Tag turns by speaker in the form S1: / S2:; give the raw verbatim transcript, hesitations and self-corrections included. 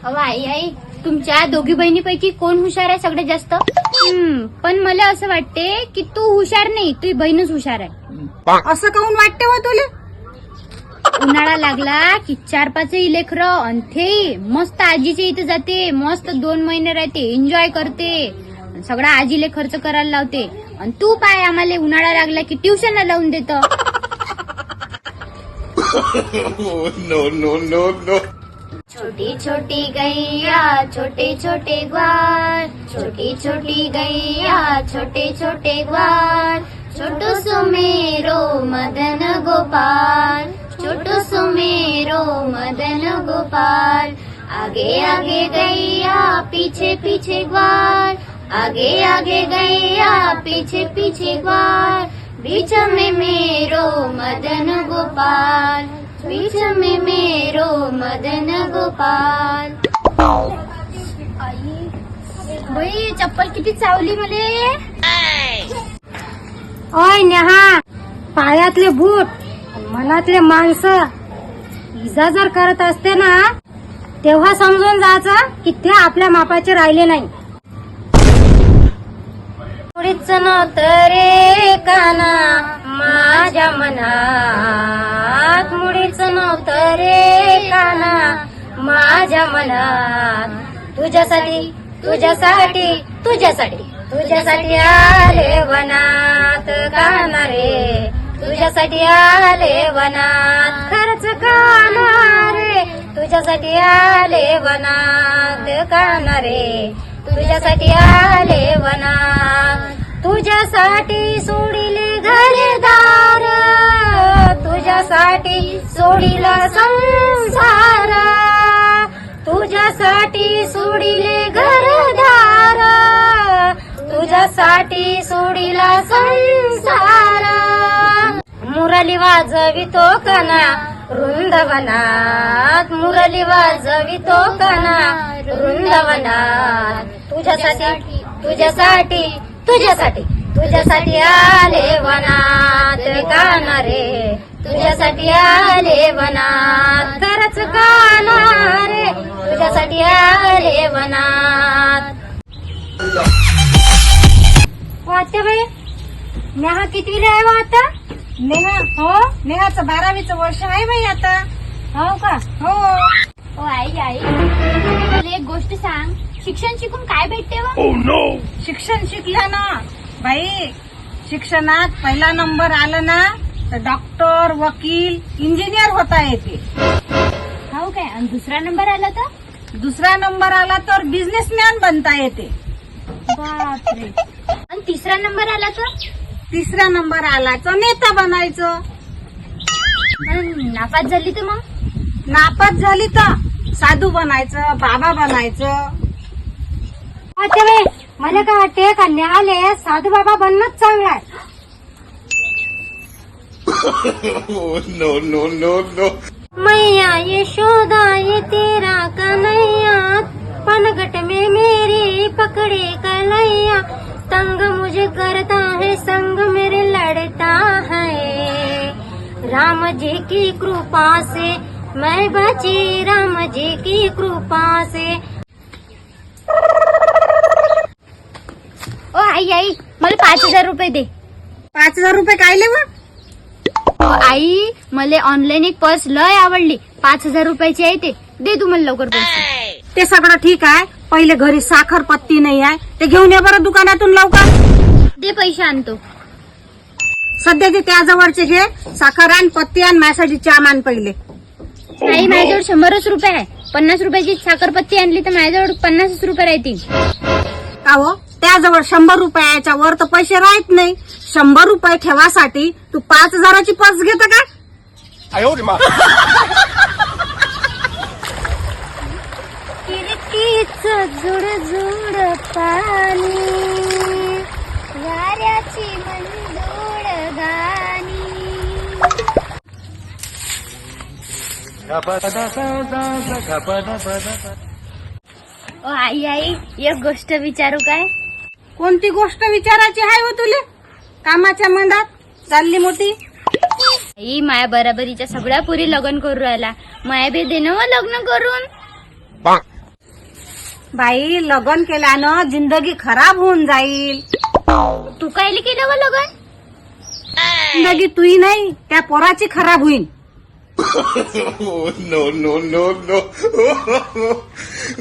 S1: अहो आई आई तुमच्या दोघी बहिणीपैकी कोण हुशार आहे सगळ्यात जास्त? हम्म, पण मला असं वाटते की तू हुशार नाही, तुझी बहीणच हुशार आहे.
S2: असं काऊन वाटते हो तुले?
S1: उन्हाळा लागला की चार पाच लेकर अंथे मस्त आजीच्या इथे जाते, मस्त दोन महिने राहते, एन्जॉय करते, सगळा आजीले खर्च करायला लावते. आणि तू पाय आम्हाला उन्हाळा लागला की ट्युशनला लावून देत.
S3: No no no no.
S1: छोटी छोटी गैया छोटे छोटे ग्वार, छोटी छोटी गैया छोटे छोटे ग्वार, छोटू सुमेरो मदन गोपाल, छोटू सुमेरो मदन गोपाल. आगे आगे गैया पीछे पीछे ग्वार, आगे आगे गैया पीछे पीछे ग्वार, बीच में मेरो मदन गोपाल, बीच में मेरो मदन गोपाल. बाई चप्पल किती चावली मले.
S2: ओय नेहा, पायातले बूट मनातले माणसं इजा जर करत असते ना तेव्हा समजून जायचं की ते आपल्या मापाचे राहिले नाही. थोडीच नव्हतं रे काना माझ्या मनात, मुळीच नव्हतं रे काना माझ्या मनात. तुझ्यासाठी तुझ्यासाठी तुझ्यासाठी तुझ्यासाठी आले वनात काना रे, तुझ्यासाठी आले वनात. खरंच काना रे तुझ्यासाठी आले वनात काना रे, तुझ्यासाठी आले वनात. तुझ्यासाठी सोडिले घरदार, तुझ्यासाठी सोडिला संसार, तुझ्यासाठी सोडिले घरदार, तुझ्यासाठी सोडिला संसार. मुरली वाजवितो कना वृंदावनात, मुरली वाजवितो कना वृंदावनात. तुझ्यासाठी तुझ्यासाठी तुझ्यासाठी तुझ्यासाठी आले वनात काना रे, तुझ्यासाठी आले वनात. खरंच काना रे तुझ्यासाठी आले वनात. वाटते बाई नेहा कितवीला आहे वा आता?
S4: नेहा
S2: हो
S4: नेहाचं बारावीचं वर्ष आहे बाई आता.
S2: हो का?
S4: हो.
S1: ओ आई आई मला एक गोष्ट सांग, शिक्षण शिकून काय भेटते व?
S4: शिक्षण शिकल्या ना बाई, शिक्षणात पहिला नंबर आला ना तर डॉक्टर, वकील, इंजिनियर होता येते.
S1: हो काय? आणि दुसरा नंबर आला तर?
S4: दुसरा नंबर आला तर बिझनेसमॅन बनता येते.
S1: बापरे. आणि तिसरा नंबर आला तर?
S4: तिसरा नंबर आला तर नेता बनायचं.
S1: आणि नापास झाली तर मग?
S4: नापास झाली तर साधू बनायचं, बाबा बनायचं.
S2: वाटते बाई मला काय वाटते का न्यायालय साधू बाबा बनणंच चांगलं आहे.
S3: No no no no.
S2: मैया यशोदा ये तेरा कन्हैया, पनघट में मेरी पकड़े कलैया, तंग मुझे करता है संग मेरे लड़ता है, राम जी की कृपा से मैं बची, राम जी की कृपा से.
S1: ओ आई आई मला पाच हजार रुपये दे.
S4: पाच हजार रुपये कायले व?
S1: ओ आई मला ऑनलाईन एक पर्स लय आवडली, पाच हजार रुपयाची आहे, ते दे तू मला लवकर पैसे.
S4: ते सगळं ठीक आहे, पहिले घरी साखर पत्ती नाही आहे ते घेऊन ये बरं दुकानातून लवकर.
S1: दे पैसे आणतो.
S4: सध्या ते त्याजवळचे घे, साखर आण, पत्ती आण, माझ्यासाठी चहा मान पहिले.
S1: नाही माझ्याजवळ शंभरच रुपये आहे, पन्नास रुपयाची साखरपत्ती आणली तर माझ्याजवळ पन्नासच रुपये राहतील.
S4: का हो, त्याजवळ शंभर रुपयाच्या वर तर पैसे राहत नाही. शंभर रुपये ठेवासाठी तू पाच हजाराची पर्स घेत का?
S1: किरकीच जुड जुड पाणी, वाऱ्याची मंजूळ गाणी. ओ आई आई एक गोष्ट विचारू काय?
S4: कोणती गोष्ट विचारायची आहे हो तुले? कामाच्या मंदात चालली मोठी.
S1: आई माया बराबरीच्या सगळ्या पुरी लग्न करू राहिला, माया बी देणं व लग्न करून.
S4: बाई लग्न केल्यानं जिंदगी खराब होऊन जाईल.
S1: तू कायले केलं व लगन?
S4: जिंदगी तुही नाही त्या पोराची खराब होईल.
S3: Oh, no, no, no, no.